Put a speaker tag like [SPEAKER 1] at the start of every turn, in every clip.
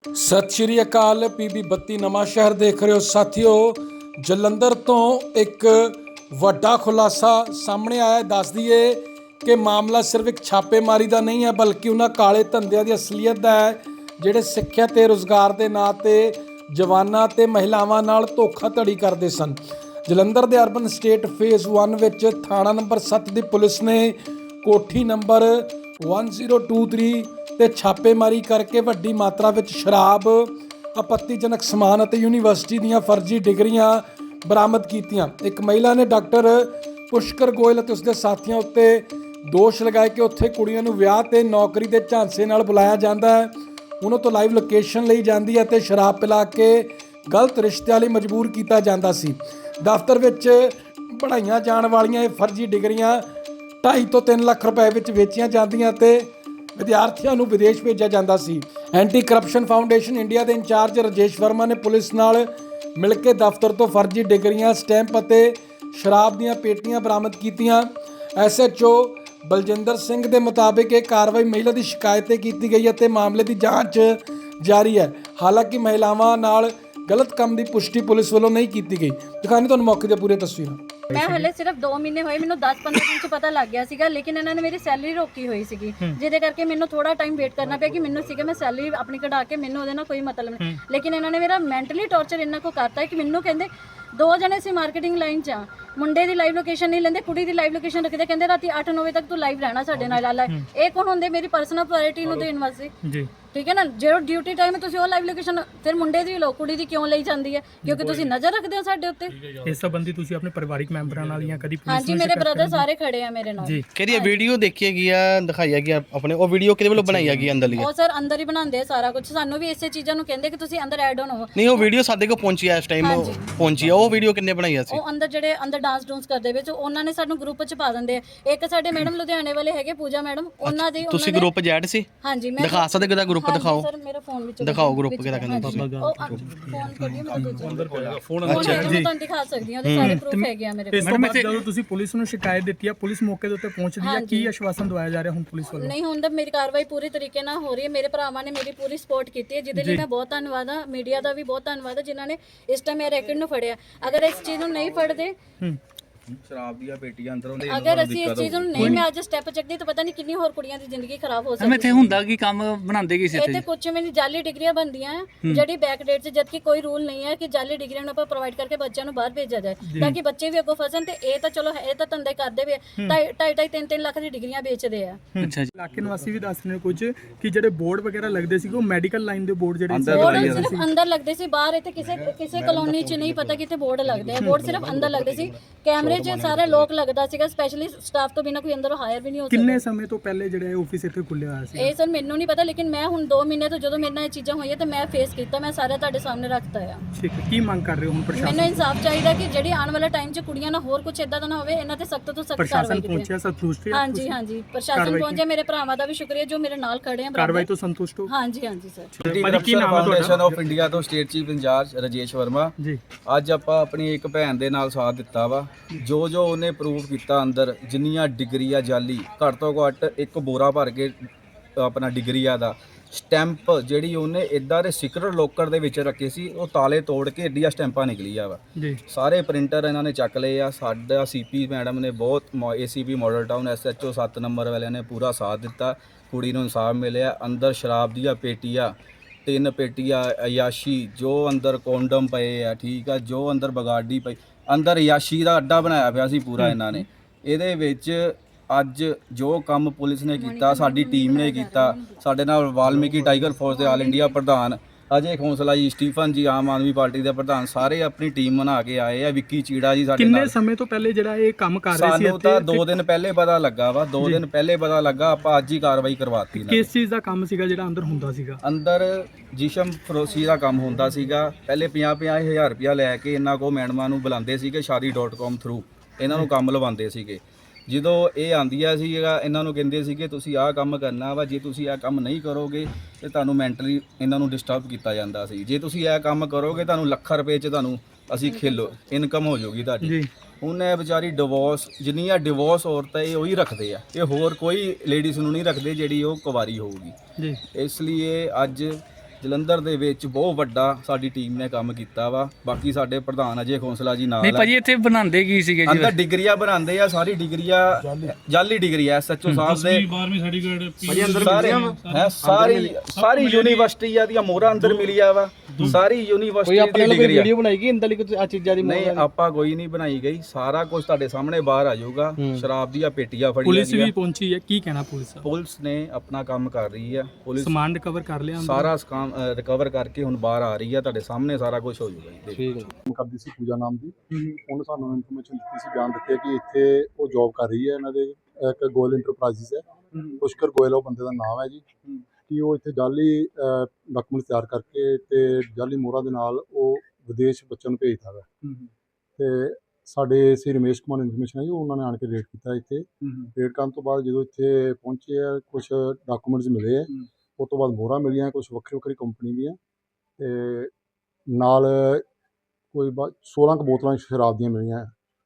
[SPEAKER 1] ਸਤਿ ਸ਼੍ਰੀ ਅਕਾਲ। PB 32 ਨਵਾਂ ਸ਼ਹਿਰ ਦੇਖ ਰਹੇ ਹੋ ਸਾਥੀਓ। ਜਲੰਧਰ ਤੋਂ ਇੱਕ ਵੱਡਾ ਖੁਲਾਸਾ ਸਾਹਮਣੇ ਆਇਆ। ਦੱਸ ਦਈਏ ਕਿ ਮਾਮਲਾ ਸਿਰਫ ਇੱਕ ਛਾਪੇਮਾਰੀ ਦਾ ਨਹੀਂ ਹੈ, ਬਲਕਿ ਉਹਨਾਂ ਕਾਲੇ ਧੰਦਿਆਂ ਦੀ ਅਸਲੀਅਤ ਦਾ ਹੈ ਜਿਹੜੇ ਸਿੱਖਿਆ ਤੇ ਰੁਜ਼ਗਾਰ ਦੇ ਨਾਂ ਤੇ ਜਵਾਨਾਂ ਤੇ ਮਹਿਲਾਵਾਂ ਨਾਲ ਧੋਖਾਧੜੀ ਕਰਦੇ ਸਨ। ਜਲੰਧਰ ਦੇ ਅਰਬਨ ਸਟੇਟ ਫੇਜ਼ 1 ਵਿੱਚ ਥਾਣਾ ਨੰਬਰ 7 ਦੀ ਪੁਲਿਸ ਨੇ ਕੋਠੀ ਨੰਬਰ 1023 ਤੇ ਛਾਪੇਮਾਰੀ ਕਰਕੇ ਵੱਡੀ ਮਾਤਰਾ ਵਿੱਚ ਸ਼ਰਾਬ, ਆਪੱਤੀਜਨਕ ਸਮਾਨ ਅਤੇ ਯੂਨੀਵਰਸਿਟੀ ਦੀਆਂ ਫਰਜ਼ੀ ਡਿਗਰੀਆਂ ਬਰਾਮਦ ਕੀਤੀਆਂ। ਇੱਕ ਮਹਿਲਾ ਨੇ ਡਾਕਟਰ ਪੁਸ਼ਕਰ ਗੋਇਲ ਅਤੇ ਉਸਦੇ ਸਾਥੀਆਂ ਉੱਤੇ ਦੋਸ਼ ਲਗਾਏ ਕਿ ਉੱਥੇ ਕੁੜੀਆਂ ਨੂੰ ਵਿਆਹ ਤੇ ਨੌਕਰੀ ਦੇ ਝਾਂਸੇ ਨਾਲ ਬੁਲਾਇਆ ਜਾਂਦਾ ਹੈ, ਉਹਨਾਂ ਤੋਂ ਲਾਈਵ ਲੋਕੇਸ਼ਨ ਲਈ ਜਾਂਦੀ ਹੈ ਅਤੇ ਸ਼ਰਾਬ ਪਿਲਾ ਕੇ ਗਲਤ ਰਿਸ਼ਤਿਆਂ ਲਈ ਮਜਬੂਰ ਕੀਤਾ ਜਾਂਦਾ ਸੀ। ਦਫ਼ਤਰ ਵਿੱਚ ਬਣਾਈਆਂ ਜਾਣ ਵਾਲੀਆਂ ਇਹ ਫਰਜ਼ੀ ਡਿਗਰੀਆਂ 2.5 ਤੋਂ 3 ਲੱਖ ਰੁਪਏ ਵਿੱਚ ਵੇਚੀਆਂ ਜਾਂਦੀਆਂ ਅਤੇ ਵਿਦਿਆਰਥੀਆਂ ਨੂੰ ਵਿਦੇਸ਼ ਭੇਜਿਆ ਜਾਂਦਾ ਸੀ। ਐਂਟੀ ਕਰਪਸ਼ਨ ਫਾਊਂਡੇਸ਼ਨ ਇੰਡੀਆ ਦੇ ਇੰਚਾਰਜ ਰਾਜੇਸ਼ ਵਰਮਾ ਨੇ ਪੁਲਿਸ ਨਾਲ ਮਿਲ ਕੇ ਦਫ਼ਤਰ ਤੋਂ ਫਰਜ਼ੀ ਡਿਗਰੀਆਂ, ਸਟੈਂਪ ਅਤੇ ਸ਼ਰਾਬ ਦੀਆਂ ਪੇਟੀਆਂ ਬਰਾਮਦ ਕੀਤੀਆਂ। SHO ਬਲਜਿੰਦਰ ਸਿੰਘ ਦੇ ਮੁਤਾਬਿਕ ਇਹ ਕਾਰਵਾਈ ਮਹਿਲਾ ਦੀ ਸ਼ਿਕਾਇਤ ਤੇ ਕੀਤੀ ਗਈ ਅਤੇ ਮਾਮਲੇ ਦੀ ਜਾਂਚ ਜਾਰੀ ਹੈ। ਹਾਲਾਂਕਿ ਮਹਿਲਾਵਾਂ ਨਾਲ ਗਲਤ ਕੰਮ ਦੀ ਪੁਸ਼ਟੀ ਪੁਲਿਸ ਵੱਲੋਂ ਨਹੀਂ ਕੀਤੀ ਗਈ। ਦਿਖਾਣੀ ਤੁਹਾਨੂੰ ਮੌਕੇ ਦੀਆਂ ਪੂਰੀਆਂ ਤਸਵੀਰਾਂ।
[SPEAKER 2] मैं हले सिर्फ 2 महीने होए, मैंने 10-15 दिन च पता लग गया सीगा, लेकिन इन्होंने मेरी सैलरी रोकी हुई सीगी, जिहदे करके मैंने थोड़ा टाइम वेट करना पिया कि मैंने सीगा मैं सैलरी अपनी कढ़ा के मैंने ਉਹਦੇ ਨਾਲ ਕੋਈ ਮਤਲਬ ਨਹੀਂ। लेकिन इन्होंने मेरा मैंटली टॉर्चर ਇੰਨਾ ਕੋ ਕਰਤਾ ਕਿ ਮੈਨੂੰ ਕਹਿੰਦੇ 2 ਜਣੇ ਸੀ ਮਾਰਕੀਟਿੰਗ ਲਾਈਨ 'ਚ ਆ, ਮੁੰਡੇ ਦੀ ਲਾਈਵ ਲੋਕੇਸ਼ਨ ਨਹੀਂ ਲੈਂਦੇ, ਕੁੜੀ ਦੀ ਲਾਈਵ ਲੋਕੇਸ਼ਨ ਰੱਖਦੇ, ਕਹਿੰਦੇ ਰਾਤੀ 8-9 ਵਜੇ ਤੱਕ ਤੂੰ ਲਾਈਵ ਰਹਿਣਾ ਸਾਡੇ ਨਾਲ। ਇਹ ਕੌਣ ਹੁੰਦੇ? ਮੇਰੀ ਪਰਸਨਲ ਪ੍ਰਾਇੋਰਟੀ ਨੂੰ ਦੇਣ ਵਾਸਤੇ ਜੀ, ਠੀਕ ਹੈ ਨਾ। ਜਿਹੜਾ ਡਿਊਟੀ ਟਾਈਮ ਤੁਸੀਂ ਉਹ ਲਾਈਵ ਲੋਕੇਸ਼ਨ ਫਿਰ ਮੁੰਡੇ ਦੀ ਲੋ, ਕੁੜੀ ਦੀ ਕਿਉਂ ਲਈ ਜਾਂਦੀ ਹੈ? ਕਿਉਂਕਿ ਤੁਸੀਂ ਨਜ਼ਰ ਰੱਖਦੇ ਹੋ ਸਾਡੇ ਉੱਤੇ।
[SPEAKER 3] ਇਸ ਸੰਬੰਧੀ ਤੁਸੀਂ ਆਪਣੇ ਪਰਿਵਾਰਿਕ ਮੈਂਬਰਾਂ ਨਾਲ ਜਾਂ ਕਦੀ ਪੁਲਿਸ
[SPEAKER 2] ਹਾਂਜੀ, ਮੇਰੇ ਬ੍ਰਦਰ ਸਾਰੇ ਖੜੇ ਆ ਮੇਰੇ ਨਾਲ
[SPEAKER 3] ਜੀ।
[SPEAKER 4] ਕਿਹੜੀ ਵੀਡੀਓ ਦੇਖੀ ਗਈ ਆ, ਦਿਖਾਈ ਗਈ ਆਪਣੇ? ਉਹ ਵੀਡੀਓ ਕਿਹਦੇ ਵੱਲੋਂ ਬਣਾਈ ਗਈ ਅੰਦਰ ਲਈ?
[SPEAKER 2] ਉਹ ਸਰ ਅੰਦਰ ਹੀ ਬਣਾਉਂਦੇ ਆ ਸਾਰਾ ਕੁਝ, ਸਾਨੂੰ ਵੀ ਇਸੇ ਚੀਜ਼ਾਂ ਨੂੰ ਕਹਿੰਦੇ ਕਿ ਤੁਸੀਂ ਅੰਦਰ ਐਡ ਆਨ ਹੋ।
[SPEAKER 4] ਨਹੀਂ, ਉਹ ਵੀਡੀਓ ਸਾਡੇ ਕੋਲ ਪਹੁੰਚੀ ਆ, ਇਸ ਟਾਈਮ ਪਹੁੰਚੀ ਆ। ਉਹ ਵੀਡੀਓ ਕਿੰਨੇ ਬਣਾਈ ਆ ਸੀ?
[SPEAKER 2] ਉਹ ਅੰਦਰ ਜਿਹੜੇ ਅੰਦਰ ਡਾਂਸ ਡੂੰਸ ਕਰਦੇ ਵਿੱਚ ਉਹਨਾਂ ਨੇ ਸਾਨੂੰ ਗਰੁੱਪ 'ਚ ਪਾ ਦਿੰਦੇ ਆ। ਇੱਕ ਸਾਡੇ ਮੈਡਮ ਲੁਧਿਆਣੇ ਵਾਲੇ ਹੈਗੇ, ਪੂਜਾ ਮੈਡਮ, ਉਹਨਾਂ ਦੇ
[SPEAKER 4] ਤੁਸੀਂ ਗਰੁੱਪ ਜੈਡ ਸੀ?
[SPEAKER 2] ਹਾਂਜੀ, ਮੈਂ
[SPEAKER 4] ਦਿਖਾ ਸਕਦੇ ਕਿਹਦਾ ਗਰੁੱਪ? ਦਿਖਾਓ
[SPEAKER 2] ਸਰ, ਮੇਰਾ ਫੋਨ ਵਿੱਚ
[SPEAKER 4] ਦਿਖਾਓ ਗਰੁੱਪ ਕਿਹਦਾ ਕਹਿੰਦੇ ਤੁਸੀਂ।
[SPEAKER 2] ਫੋਨ ਕਰੀਏ ਮੇਰਾ ਦੂਜਾ ਅੰਦਰ ਪਿਆ ਫੋਨ। ਅੱਛਾ ਜੀ, ਮੈਂ ਤੁਹਾਨੂੰ ਦਿਖਾ ਸਕਦੀ ਹਾਂ, ਉਹਦੇ ਸਾਰੇ ਪ੍ਰੂਫ ਹੈਗੇ ਆ ਮੇਰੇ ਕੋਲ।
[SPEAKER 3] ਇਸ ਤੋਂ ਬਾਅਦ ਜਦੋਂ ਤੁਸੀਂ ਪੁਲਿਸ ਨੂੰ ਸ਼ਿਕਾਇਤ ਦਿੱਤੀ ਆ, ਪੁਲਿਸ ਮੌਕੇ ਦੇ ਉੱਤੇ ਪਹੁੰਚਦੀ ਆ, ਕੀ ਆਸ਼ਵਾਸਨ ਦਵਾਇਆ ਜਾ ਰਿਹਾ ਹੁਣ ਪੁਲਿਸ ਵੱਲੋਂ?
[SPEAKER 2] ਨਹੀਂ, ਹੁਣ ਤਾਂ ਮੇਰੀ ਕਾਰਵਾਈ ਪੂਰੀ ਤਰੀਕੇ ਨਾਲ ਹੋ ਰਹੀ ਹੈ। ਮੇਰੇ ਭਰਾਵਾਂ ਨੇ ਮੇਰੀ ਪੂਰੀ ਸਪੋਰਟ ਕੀਤੀ ਹੈ, ਜਿਹਦੇ ਲਈ ਮੈਂ ਬਹੁਤ ਧੰਨਵਾਦ ਹਾਂ। ਮੀਡੀਆ ਦਾ ਵੀ ਬਹੁਤ ਧੰਨਵਾਦ ਹੈ ਜਿਨ੍ਹਾਂ ਨੇ ਇਸ ਟਾਈਮ ਮੇਰੇ ਰੈਕਡ ਨੂੰ ਫੜਿਆ। ਅਗਰ ਇਸ ਚੀਜ਼ ਨੂੰ ਨਹੀਂ ਫੜਦੇ,
[SPEAKER 5] ਸ਼ਰਾਬ ਦੀਆਂ ਪੇਟੀਆਂ ਅੰਦਰੋਂ ਦੇ,
[SPEAKER 2] ਅਗਰ ਅਸੀਂ ਇਸ ਚੀਜ਼ ਨੂੰ ਨਹੀਂ ਮੈਂ ਅੱਜ ਸਟੈਪ ਚੱਕਦੀ ਤਾਂ ਪਤਾ ਨਹੀਂ ਕਿੰਨੀ ਹੋਰ ਕੁੜੀਆਂ ਦੀ ਜ਼ਿੰਦਗੀ ਖਰਾਬ ਹੋ ਸਕਦੀ
[SPEAKER 6] ਮੈਂ ਇੱਥੇ ਹੁੰਦਾ ਕੀ ਕੰਮ ਬਣਾਉਂਦੇ ਕੀ ਸੀ
[SPEAKER 2] ਇੱਥੇ? ਇਹ ਕੁਝ ਮੇਰੀ ਜਾਲੀ ਡਿਗਰੀਆਂ ਬਣਦੀਆਂ ਜਿਹੜੀ ਬੈਕ ਡੇਟ 'ਚ, ਜਦਕਿ ਕੋਈ ਰੂਲ ਨਹੀਂ ਹੈ ਕਿ ਜਾਲੀ ਡਿਗਰੀਆਂ ਨੂੰ ਆਪਾਂ ਪ੍ਰੋਵਾਈਡ ਕਰਕੇ ਬੱਚਿਆਂ ਨੂੰ ਬਾਹਰ ਭੇਜਿਆ ਜਾਏ ਤਾਂ ਕਿ ਬੱਚੇ ਵੀ ਅੱਗੋਂ ਫਸਣ। ਤੇ ਇਹ ਤਾਂ ਚਲੋ ਇਹ ਤਾਂ ਧੰਦੇ ਕਰਦੇ ਵੀ 2.5 3 ਲੱਖ ਦੀ ਡਿਗਰੀਆਂ ਵੇਚਦੇ ਆ।
[SPEAKER 6] ਅੱਛਾ ਜੀ।
[SPEAKER 3] ਇਲਾਕੇ ਨਿਵਾਸੀ ਵੀ ਦੱਸ ਰਹੇ ਨੇ ਕੁਝ ਕਿ ਜਿਹੜੇ ਬੋਰਡ ਵਗੈਰਾ ਲੱਗਦੇ ਸੀ ਉਹ ਮੈਡੀਕਲ ਲਾਈਨ ਦੇ ਬੋਰਡ ਜਿਹੜੇ
[SPEAKER 2] ਬੋਰਡ ਸਿਰਫ ਅੰਦਰ ਲੱਗਦੇ ਸੀ, ਬਾਹਰ ਇੱਥੇ ਕਿਸੇ ਕਲੋਨੀ 'ਚ ਨਹੀਂ ਪਤਾ ਕਿਤੇ ਬੋਰਡ ਲੱਗਦੇ ਆ। ਬੋਰਡ ਸਿਰਫ ਅੰਦਰ ਲੱਗਦੇ ਸੀ, ਕੈਮਰੇ 'ਚ ਸਾਰੇ ਲੋਕ ਲੱਗਦਾ ਸੀਗਾ, ਸਪੈਸ਼ਲੀ ਸਟਾਫ ਤੋਂ ਬਿਨਾ ਕੋਈ ਅੰਦਰ ਹਾਇਰ ਵੀ ਨਹੀਂ ਹੋ ਸਕਦਾ।
[SPEAKER 3] ਕਿੰਨੇ ਸਮੇਂ ਤੋਂ ਪਹਿਲੇ ਜਿਹੜਾ ਆਫਿਸ ਇੱਥੇ ਖੁੱਲਿਆ ਹੋਇਆ ਸੀ?
[SPEAKER 2] ਇਹ ਸਰ ਮੈਨੂੰ ਨਹੀਂ ਪਤਾ, ਲੇਕਿਨ ਮੈਂ ਹੁਣ 2 ਮਹੀਨੇ ਤੋਂ ਜਦੋਂ ਮੇਰੇ ਨਾਲ ਇਹ ਚੀਜ਼ਾਂ ਹੋਈਆਂ ਤਾਂ ਮੈਂ ਫੇਸ ਕੀਤਾ, ਮੈਂ ਸਾਰੇ ਤੁਹਾਡੇ ਸਾਹਮਣੇ ਰੱਖਤਾ ਆ।
[SPEAKER 3] ਠੀਕ ਹੈ, ਕੀ ਮੰਗ ਕਰ ਰਹੇ ਹੋ ਹੁਣ ਪ੍ਰਸ਼ਾਸਨ?
[SPEAKER 2] ਮੈਨੂੰ ਇਨਸਾਫ ਚਾਹੀਦਾ ਕਿ ਜਿਹੜੀ ਆਉਣ ਵਾਲਾ ਟਾਈਮ 'ਚ ਕੁੜੀਆਂ ਨਾਲ ਹੋਰ ਕੁਝ ਇਦਾਂ ਦਾ ਨਾ ਹੋਵੇ। ਇਹਨਾਂ ਤੇ ਸਖਤ ਤੋਂ ਸਖਤ ਕਾਰਵਾਈ
[SPEAKER 3] ਪ੍ਰਸ਼ਾਸਨ
[SPEAKER 2] ਕੀਤੀ
[SPEAKER 3] ਪਹੁੰਚਿਆ, ਸੰਤੁਸ਼ਟ ਹੈ?
[SPEAKER 2] ਹਾਂਜੀ ਹਾਂਜੀ, ਪ੍ਰਸ਼ਾਸਨ ਪਹੁੰਚਿਆ। ਮੇਰੇ ਭਰਾਵਾਂ ਦਾ ਵੀ ਸ਼ੁਕਰੀਆ ਜੋ ਮੇਰੇ ਨਾਲ ਖੜੇ ਆ।
[SPEAKER 3] ਕਾਰਵਾਈ ਤੋਂ ਸੰਤੁਸ਼ਟ ਹੋ?
[SPEAKER 2] ਹਾਂਜੀ ਹਾਂਜੀ sir.
[SPEAKER 5] Anti corruption foundation of India ਤੋਂ state chief incharge Rajesh Verma
[SPEAKER 3] ji.
[SPEAKER 5] ਅੱਜ ਆਪਾਂ ਆਪਣੀ ਇੱਕ ਭੈਣ ਦੇ ਨਾਲ ਸਾਥ ਦਿੱਤਾ ਵਾ। ਜੋ ਉਹਨੇ ਪ੍ਰੂਫ ਕੀਤਾ ਅੰਦਰ, ਜਿੰਨੀਆਂ ਡਿਗਰੀਆਂ ਜਾਲੀ, ਘੱਟ ਤੋਂ ਘੱਟ ਇੱਕ ਬੋਰਾ ਭਰ ਕੇ ਆਪਣਾ ਡਿਗਰੀਆਂ ਦਾ ਸਟੈਂਪ ਜਿਹੜੀ ਉਹਨੇ ਇਦਾਂ ਦੇ ਸੀਕ੍ਰੇਟ ਲੋਕਰ ਦੇ ਵਿੱਚ ਰੱਖੇ ਸੀ, ਉਹ ਤਾਲੇ ਤੋੜ ਕੇ ਏਡੀਆਂ ਸਟੈਂਪਾਂ ਨਿਕਲੀਆਂ ਵਾ
[SPEAKER 3] ਜੀ।
[SPEAKER 5] ਸਾਰੇ ਪ੍ਰਿੰਟਰ ਇਹਨਾਂ ਨੇ ਚੱਕ ਲਏ ਆ। ਸਾਡਾ CP ਮੈਡਮ ਨੇ ਬਹੁਤ, ACP ਮਾਡਲ ਟਾਊਨ SHO 7 ਨੰਬਰ ਵਾਲਿਆਂ ਨੇ ਪੂਰਾ ਸਾਥ ਦਿੱਤਾ। ਕੁੜੀ ਨੂੰ ਇਨਸਾਫ ਮਿਲਿਆ। ਅੰਦਰ ਸ਼ਰਾਬ ਦੀਆਂ ਪੇਟੀਆਂ, 3 ਪੇਟੀਆਂ ਅਯਾਸ਼ੀ, ਜੋ ਅੰਦਰ ਕੋਂਡਮ ਪਏ ਆ, ਠੀਕ ਆ, ਜੋ ਅੰਦਰ ਬਗਾੜੀ ਪਈ, ਅੰਦਰ ਅਯਾਸ਼ੀ ਦਾ ਅੱਡਾ ਬਣਾਇਆ ਪਿਆ ਸੀ ਪੂਰਾ ਇਹਨਾਂ ਨੇ। ਇਹਦੇ ਵਿੱਚ ਅੱਜ ਜੋ ਕੰਮ ਪੁਲਿਸ ਨੇ ਕੀਤਾ, ਸਾਡੀ ਟੀਮ ਨੇ ਕੀਤਾ, ਸਾਡੇ ਨਾਲ ਵਾਲਮੀਕੀ ਟਾਈਗਰ ਫੋਰਸ ਦੇ ਆਲ ਇੰਡੀਆ ਪ੍ਰਧਾਨ ਅਜੇ ਖੋਸਲਾ ਜੀ, ਸਟੀਫਨ ਜੀ, ਆਮ ਆਦਮੀ ਪਾਰਟੀ ਦੇ ਪ੍ਰਧਾਨ, ਸਾਰੇ ਆਪਣੀ ਟੀਮ ਬਣਾ ਕੇ ਆਏ ਆ। ਵਿੱਕੀ ਚੀੜਾ ਜੀ ਸਾਡੇ ਨਾਲ।
[SPEAKER 3] ਕਿੰਨੇ ਸਮੇਂ ਤੋਂ ਪਹਿਲੇ ਜਿਹੜਾ ਇਹ ਕੰਮ ਕਰ ਰਹੇ ਸੀ?
[SPEAKER 5] ਸਾਨੂੰ ਤਾਂ 2 ਦਿਨ ਪਹਿਲੇ ਪਤਾ ਲੱਗਾ ਵਾ, 2 ਦਿਨ ਪਹਿਲੇ ਪਤਾ ਲੱਗਾ। ਆਪਾਂ ਅੱਜ ਹੀ ਕਾਰਵਾਈ ਕਰਵਾਤੀ।
[SPEAKER 3] ਕਿਸ ਚੀਜ਼ ਦਾ ਕੰਮ ਸੀਗਾ ਜਿਹੜਾ ਅੰਦਰ ਹੁੰਦਾ ਸੀਗਾ?
[SPEAKER 5] ਅੰਦਰ ਜਿਸ਼ਮ ਫਰੋਸ਼ੀ ਦਾ ਕੰਮ ਹੁੰਦਾ ਸੀਗਾ। ਪਹਿਲੇ 50-50 ਹਜ਼ਾਰ ਰੁਪਇਆ ਲੈ ਕੇ ਇਹਨਾਂ ਕੋ ਮੈਡਮਾਂ ਨੂੰ ਬੁਲਾਉਂਦੇ ਸੀਗੇ, shaadi.com ਥਰੂ ਇਹਨਾਂ ਨੂੰ ਕੰਮ ਲਵਾਉਂਦੇ ਸੀਗੇ। ਜਦੋਂ ਇਹ ਆਉਂਦੀਆਂ ਸੀ ਇਹਨਾਂ ਨੂੰ ਕਹਿੰਦੇ ਸੀਗੇ ਤੁਸੀਂ ਆਹ ਕੰਮ ਕਰਨਾ ਵਾ, ਜੇ ਤੁਸੀਂ ਆਹ ਕੰਮ ਨਹੀਂ ਕਰੋਗੇ ਤੇ ਤੁਹਾਨੂੰ ਮੈਂਟਲੀ ਇਹਨਾਂ ਨੂੰ ਡਿਸਟਰਬ ਕੀਤਾ ਜਾਂਦਾ ਸੀ। ਜੇ ਤੁਸੀਂ ਇਹ ਕੰਮ ਕਰੋਗੇ ਤੁਹਾਨੂੰ ਲੱਖਾਂ ਰੁਪਏ 'ਚ ਤੁਹਾਨੂੰ ਅਸੀਂ ਖੇਲੋ ਇਨਕਮ ਹੋ ਜਾਊਗੀ ਤੁਹਾਡੀ। ਹੁਣ ਇਹ ਵਿਚਾਰੀ ਡਿਵੋਰਸ, ਜਿੰਨੀਆਂ ਡਿਵੋਰਸ ਔਰਤਾਂ ਇਹ ਉਹੀ ਰੱਖਦੇ ਆ, ਇਹ ਹੋਰ ਕੋਈ ਲੇਡੀਜ਼ ਨੂੰ ਨਹੀਂ ਰੱਖਦੇ ਜਿਹੜੀ ਉਹ ਕੁਵਾਰੀ ਹੋਊਗੀ। ਇਸ ਲਈ ਅੱਜ ਜਲੰਧਰ ਦੇ ਵਿੱਚ ਬਹੁਤ ਵੱਡਾ ਸਾਡੀ ਟੀਮ ਨੇ ਕੰਮ ਕੀਤਾ ਵਾ। ਬਾਕੀ ਸਾਡੇ ਪ੍ਰਧਾਨ ਅਜੇ ਖੋਸਲਾ ਜੀ ਨਾਲ
[SPEAKER 6] ਨਹੀਂ
[SPEAKER 5] ਆ।
[SPEAKER 6] ਭਾਜੀ ਇੱਥੇ ਬਣਾਉਂਦੇ ਕੀ ਸੀਗੇ ਜੀ
[SPEAKER 5] ਅੰਦਰ ਡਿਗਰੀਆਂ ਬਣਾਉਂਦੇ ਆ, ਸਾਰੀ ਡਿਗਰੀਆਂ ਜਾਲੀ ਡਿਗਰੀ ਐ ਐਸਐਚਓ ਸਾਹਿਬ ਦੇ
[SPEAKER 7] 12ਵੀਂ ਸਰਟੀਫਿਕੇਟ
[SPEAKER 5] ਸਾਰੇ ਹੈ ਸਾਰੀ ਯੂਨੀਵਰਸਿਟੀਆਂ ਦੀਆਂ ਮੋਹਰਾਂ ਅੰਦਰ ਮਿਲੀਆਂ ਵਾ। ਸਾਰੀ
[SPEAKER 4] ਕੋਈ
[SPEAKER 5] ਯੂਨੀਵਰਸਿਟੀ
[SPEAKER 4] ਆਪਣੇ
[SPEAKER 5] ਦੀ
[SPEAKER 4] ਲਈ
[SPEAKER 5] ਡਿਗਰੀ
[SPEAKER 4] ਵੀਡੀਓ ਬਣਾਈ ਗਈ ਇੰਦਾਂ ਲਈ ਕੁਝ ਆ ਚੀਜ਼ਾਂ ਦੀ
[SPEAKER 5] ਨਹੀਂ ਆਪਾਂ ਕੋਈ ਨਹੀਂ ਬਣਾਈ ਗਈ, ਸਾਰਾ ਕੁਝ ਤੁਹਾਡੇ ਸਾਹਮਣੇ ਬਾਹਰ ਆ ਜਾਊਗਾ। ਸ਼ਰਾਬ ਦੀਆਂ ਪੇਟੀਆਂ ਫੜੀਆਂ
[SPEAKER 3] ਪੁਲਿਸ ਵੀ
[SPEAKER 5] ਗਈਆਂ।
[SPEAKER 3] ਪਹੁੰਚੀ ਹੈ, ਕੀ ਕਹਿਣਾ ਪੁਲਿਸ ਦਾ?
[SPEAKER 5] ਪੁਲਿਸ ਨੇ ਆਪਣਾ ਕੰਮ ਕਰ ਰਹੀ ਆ। ਪੁਲਿਸ
[SPEAKER 3] ਸਮਾਨ ਰਿਕਵਰ ਕਰ ਲਿਆ ਅੰਦਰ?
[SPEAKER 5] ਸਾਰਾ ਕੰਮ ਰਿਕਵਰ ਕਰਕੇ ਹੁਣ ਬਾਹਰ ਆ ਰਹੀ ਆ, ਤੁਹਾਡੇ ਸਾਹਮਣੇ ਸਾਰਾ ਕੁਝ ਹੋ ਜਾਊਗਾ ਜੀ।
[SPEAKER 4] ਠੀਕ ਹੈ
[SPEAKER 8] ਕੰਮ ਕਰਦੀ ਸੀ ਪੂਜਾ ਨਾਮ ਦੀ। ਉਹਨੇ ਸਾਨੂੰ ਇਨਫੋਰਮੇਸ਼ਨ ਦਿੱਤੀ ਸੀ, ਬਿਆਨ ਦਿੱਤੇ ਕਿ ਇੱਥੇ ਉਹ ਜੌਬ ਕਰ ਰਹੀ ਹੈ। ਇਹਨਾਂ ਦੇ ਇੱਕ ਗੋਇਲ ਇੰਟਰਪ੍ਰਾਈਜ਼ਸ ਹੈ, ਪੁਸ਼ਕਰ ਗੋਇਲ ਉਹ ਬੰਦੇ ਦਾ ਨਾਮ ਹੈ ਜੀ। ਕਿ ਉਹ ਇੱਥੇ ਜਾਲੀ ਡਾਕੂਮੈਂਟ ਤਿਆਰ ਕਰਕੇ ਤੇ ਜਾਲੀ ਮੋਹਰਾਂ ਦੇ ਨਾਲ ਉਹ ਵਿਦੇਸ਼ ਬੱਚਿਆਂ ਨੂੰ ਭੇਜਦਾ ਹੈ। ਤੇ ਸਾਡੇ ਸੀ ਰਮੇਸ਼ ਕੁਮਾਰ ਇਨਫੋਰਮੇਸ਼ਨ ਹੈ ਜੀ, ਉਹਨਾਂ ਨੇ ਆਣ ਕੇ ਰੇਡ ਕੀਤਾ ਇੱਥੇ। ਰੇਡ ਕਰਨ ਤੋਂ ਬਾਅਦ ਜਦੋਂ ਇੱਥੇ ਪਹੁੰਚੇ ਆ, ਕੁਝ ਡਾਕੂਮੈਂਟਸ ਮਿਲੇ ਆ। ਉਸ ਤੋਂ ਬਾਅਦ ਮੋਹਰਾਂ ਮਿਲੀਆਂ ਕੁਝ ਵੱਖਰੀ ਵੱਖਰੀ ਕੰਪਨੀ ਦੀਆਂ, ਤੇ ਨਾਲ ਕੋਈ 16 ਕੁ ਬੋਤਲਾਂ ਸ਼ਰਾਬ ਦੀਆਂ ਮਿਲੀਆਂ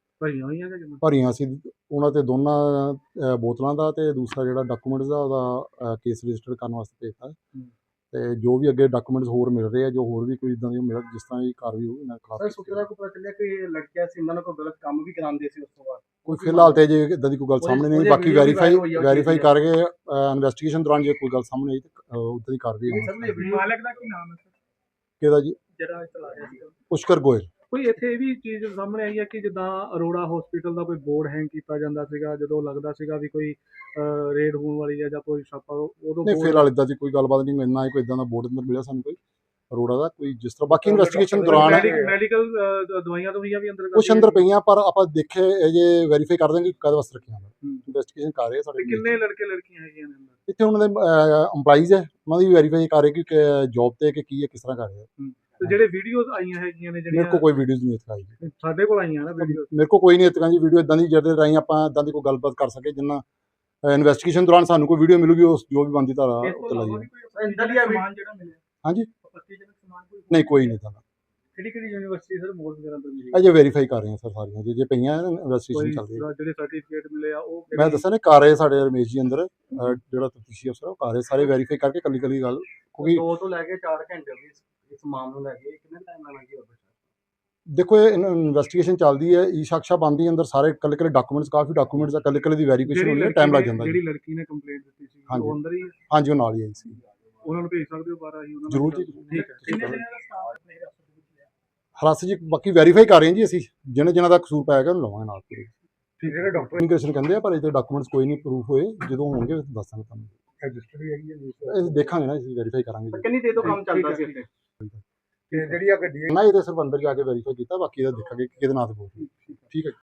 [SPEAKER 8] ਭਰੀਆਂ ਸੀ। ਉਹਨਾਂ ਤੇ ਦੋਨਾਂ ਬੋਤਲਾਂ ਦਾ ਤੇ ਦੂਸਰਾ ਜਿਹੜਾ ਡਾਕੂਮੈਂਟਸ ਦਾ ਉਹਦਾ ਕੇਸ ਰਜਿਸਟਰ ਕਰਨ ਵਾਸਤੇ ਭੇਜਤਾ। ਤੇ ਜੋ ਵੀ ਅੱਗੇ ਡਾਕੂਮੈਂਟਸ ਹੋਰ ਮਿਲ ਰਹੇ ਆ, ਜੋ ਹੋਰ ਵੀ ਕੋਈ ਇਦਾਂ ਦੀ ਮਿਲ ਜਿਸ ਤਰ੍ਹਾਂ ਦੀ ਕਾਰਵਾਈ ਹੋਊ ਇਹਨਾਂ ਖਿਲਾਫ
[SPEAKER 4] ਪਤਾ ਚੱਲਿਆ ਕਿ ਲੜਕਿਆ ਸੀ, ਇਹਨਾਂ ਨੂੰ ਕੋਈ ਗਲਤ ਕੰਮ ਵੀ ਕਰਾਉਂਦੇ ਸੀ ਉਸ ਤੋਂ ਬਾਅਦ?
[SPEAKER 8] ਕੋਈ ਫਿਲਹਾਲ ਤੇ ਜੇ ਇਦਾਂ ਦੀ ਕੋਈ ਗੱਲ ਸਾਹਮਣੇ ਨਹੀਂ। ਬਾਕੀ ਵੈਰੀਫਾਈ ਕਰਕੇ ਇਨਵੈਸਟੀਗੇਸ਼ਨ ਦੌਰਾਨ ਜੇ ਕੋਈ ਗੱਲ ਸਾਹਮਣੇ ਆਈ ਤਾਂ ਉੱਦਾਂ ਦੀ ਕਾਰਵਾਈ ਹੋਊਗੀ।
[SPEAKER 3] ਮਾਲਕ ਦਾ ਕੀ ਨਾਮ ਹੈ ਸਰ
[SPEAKER 8] ਕਿਹਦਾ ਜੀ?
[SPEAKER 3] ਜਿਹੜਾ ਚਲਾ ਰਿਹਾ ਸੀ?
[SPEAKER 8] ਪੁਸ਼ਕਰ ਗੋਇਲ।
[SPEAKER 7] ਕੋਈ ਇੱਥੇ ਇਹ ਵੀ ਚੀਜ਼ ਸਾਹਮਣੇ ਆਈ ਹੈ ਕਿ ਜਿੱਦਾਂ ਅਰੋੜਾ ਹਸਪੀਟਲ ਦਾ ਕੋਈ ਬੋਰਡ ਹੈਂਗ ਕੀਤਾ ਜਾਂਦਾ ਸੀਗਾ, ਜਦੋਂ ਲੱਗਦਾ ਸੀਗਾ ਵੀ ਕੋਈ ਰੇਡ ਹੋਣ ਵਾਲੀ ਹੈ ਜਾਂ ਕੋਈ ਛਾਪਾ, ਉਦੋਂ
[SPEAKER 8] ਨਹੀਂ ਫਿਲਹਾਲ ਇਦਾਂ ਦੀ ਕੋਈ ਗੱਲਬਾਤ ਨਹੀਂ। ਇੰਨਾ ਹੀ ਕੋਈ ਇਦਾਂ ਦਾ ਬੋਰਡ ਅੰਦਰ ਮਿਲਿਆ ਸਾਨੂੰ ਕੋਈ ਅਰੋੜਾ ਦਾ ਕੋਈ ਜਿਸ ਤਰ੍ਹਾਂ। ਬਾਕੀ ਇਨਵੈਸਟੀਗੇਸ਼ਨ ਦੌਰਾਨ
[SPEAKER 7] ਮੈਡੀਕਲ ਦਵਾਈਆਂ ਵੀ ਅੰਦਰ
[SPEAKER 8] ਕੁਛ ਅੰਦਰ ਪਈਆਂ, ਪਰ ਆਪਾਂ ਦੇਖੇ ਜੇ ਵੈਰੀਫਾਈ ਕਰ ਦਾਂਗੇ ਕਦ ਵਾਸਤੇ ਰੱਖੀਆਂ। ਇਨਵੈਸਟੀਗੇਸ਼ਨ ਕਰ ਰਹੇ ਸਾਡੇ।
[SPEAKER 7] ਕਿੰਨੇ ਲੜਕੇ ਲੜਕੀਆਂ ਹੈਗੀਆਂ ਨੇ ਅੰਦਰ?
[SPEAKER 8] ਇੱਥੇ ਉਹਨਾਂ ਦੇ EMPLOYEES ਹੈ, ਉਹਨਾਂ ਦੀ ਵੈਰੀਫਾਈ ਕਰ ਰਹੇ ਕਿ ਜੌਬ ਤੇ ਕਿ ਕੀ ਹੈ, ਕਿਸ ਤਰ੍ਹਾਂ ਕਰ ਰਹੇ ਆ।
[SPEAKER 7] ਤੇ ਜਿਹੜੇ ਵੀਡੀਓਜ਼ ਆਈਆਂ ਹੈਗੀਆਂ ਨੇ
[SPEAKER 8] ਮੇਰੇ ਕੋਲ ਕੋਈ ਵੀਡੀਓਜ਼ ਨਹੀਂ ਇੱਥੇ ਆਈ।
[SPEAKER 7] ਸਾਡੇ ਕੋਲ ਆਈਆਂ ਨਾ ਵੀਡੀਓਜ਼,
[SPEAKER 8] ਮੇਰੇ ਕੋਲ ਕੋਈ ਨਹੀਂ ਇੱਥੇ ਜੀ ਵੀਡੀਓ ਇਦਾਂ ਦੀ ਜਿਹਦੇ ਰਾਹੀਂ ਆਪਾਂ ਇਦਾਂ ਦੀ ਕੋਈ ਗੱਲਬਾਤ ਕਰ ਸਕੇ। ਜਿੰਨਾ ਇਨਵੈਸਟੀਗੇਸ਼ਨ ਦੌਰਾਨ ਸਾਨੂੰ ਕੋਈ ਵੀਡੀਓ ਮਿਲੂਗੀ, ਉਸ ਜੋ ਵੀ ਬਣਦੀ ਧਾਰਾ ਉੱਤੇ ਲਾਈ ਜਾਵੇ।
[SPEAKER 7] ਸਮਾਨ ਜਿਹੜਾ ਮਿਲਿਆ
[SPEAKER 8] ਹਾਂਜੀ
[SPEAKER 7] ਪੱਤੀਜਨਕ ਸਮਾਨ ਕੋਈ
[SPEAKER 8] ਨਹੀਂ ਕੋਈ ਨਹੀਂ ਤਾਂ
[SPEAKER 7] ਕਿਹੜੀ ਯੂਨੀਵਰਸਿਟੀ ਸਰ ਮੋਲ ਵਗੈਰਾ ਤੋਂ ਮਿਲੀ?
[SPEAKER 8] ਅਜੇ ਵੈਰੀਫਾਈ ਕਰ ਰਹੇ ਹਾਂ ਸਰ ਸਾਰੀਆਂ ਜੇ ਪਈਆਂ ਇਨਵੈਸਟੀਗੇਸ਼ਨ ਚੱਲ ਰਹੀ ਹੈ।
[SPEAKER 7] ਜਿਹੜੇ ਸਰਟੀਫਿਕੇਟ ਮਿਲੇ ਆ ਉਹ
[SPEAKER 8] ਮੈਂ ਦੱਸਿਆ ਨੇ ਕਰ ਰਹੇ ਸਾਡੇ ਰਮੇਸ਼ ਜੀ ਅੰਦਰ ਜਿਹੜਾ ਤਫਤੀਸ਼ੀ ਅਫਸਰ ਉਹ ਕਰ ਰਹੇ ਸਾਰੇ ਵੈਰੀਫਾਈ ਕਰਕੇ ਕੱਲੀ ਕੱਲੀ ਗੱਲ। ਕਿਉਂਕਿ
[SPEAKER 4] 2 ਤੋਂ ਲੈ ਕੇ 4 ਘੰਟੇ ਵੀ ਇਸ ਮਾਮਲੇ ਨੂੰ ਲੈ ਕੇ ਕਿੰਨੇ ਟਾਈਮ ਨਾਲ ਲੱਗੀ ਹੋਵੇ?
[SPEAKER 8] ਦੇਖੋ ਇਹ ਇਨਵੈਸਟੀਗੇਸ਼ਨ ਚੱਲਦੀ ਹੈ, ਈ ਸ਼ਖਸ਼ਾ ਬੰਦੀ ਅੰਦਰ ਸਾਰੇ ਕੱਲੇ ਕੱਲੇ ਡਾਕੂਮੈਂਟਸ ਕਾਫੀ ਡਾਕੂਮੈਂਟਸ ਆ, ਕੱਲੇ ਕੱਲੇ ਦੀ ਵੈਰੀਫਿਕੇਸ਼ਨ ਹੋਣੀ ਹੈ, ਟਾਈਮ ਲੱਗ ਜਾਂਦਾ।
[SPEAKER 7] ਜਿਹੜੀ ਲੜਕੀ ਨੇ ਕੰਪਲੇਂਟ ਦਿੱਤੀ ਸੀ ਉਹ ਅੰਦਰ ਹੀ?
[SPEAKER 8] ਹਾਂਜੀ ਉਹ ਨਾਲ ਹੀ ਆਈ ਸੀ।
[SPEAKER 7] ਉਹਨਾਂ ਨੂੰ ਭੇਜ ਸਕਦੇ ਹੋ ਬਾਹਰ? ਆਹੀ ਉਹਨਾਂ
[SPEAKER 8] ਜ਼ਰੂਰ ਜੀ
[SPEAKER 7] ਠੀਕ ਹੈ।
[SPEAKER 8] ਹਰਾਸ ਜੀ ਬਾਕੀ ਵੈਰੀਫਾਈ ਕਰ ਰਹੇ ਹਾਂ ਜੀ ਅਸੀਂ, ਜਿਹਨਾਂ ਦਾ ਕਸੂਰ ਪਾਇਆ ਗਿਆ ਉਹਨੂੰ ਲਵਾਂਗੇ ਨਾਲ ਪੂਰੇ।
[SPEAKER 7] ਜਿਹੜੇ ਡਾਕਟਰ
[SPEAKER 8] ਇਮੀਗ੍ਰੇਸ਼ਨ ਕਹਿੰਦੇ ਆ, ਪਰ ਇਹ ਡਾਕੂਮੈਂਟਸ ਕੋਈ ਨਹੀਂ ਪ੍ਰੂਫ ਹੋਏ, ਜਦੋਂ ਹੋਣਗੇ ਦੱਸਾਂਗੇ ਤੁਹਾਨੂੰ।
[SPEAKER 7] ਰਜਿਸਟਰ ਵੀ ਹੈਗੀ ਹੈ?
[SPEAKER 8] ਇਹ ਦੇਖਾਂਗੇ ਨਾ, ਅਸੀਂ ਵੈਰੀਫਾਈ ਕਰਾਂਗੇ।
[SPEAKER 4] ਕਿੰਨੀ ਦੇਰ ਤੋਂ ਕੰਮ ਚੱਲਦਾ ਸੀ ਇੱਥੇ?
[SPEAKER 7] ਤੇ ਜਿਹੜੀ ਆ ਗੱਡੀ
[SPEAKER 8] ਨਾ ਇਹ ਤਾਂ ਸਿਰਫ ਅੰਦਰ ਜਾ ਕੇ ਵੈਰੀਫਾਈ ਕੀਤਾ, ਬਾਕੀ ਇਹਦਾ ਦੇਖਾਂਗੇ ਕਿ ਕਿਹਦੇ ਨਾਂ ਤੇ ਬੋਲ ਠੀਕ ਹੈ।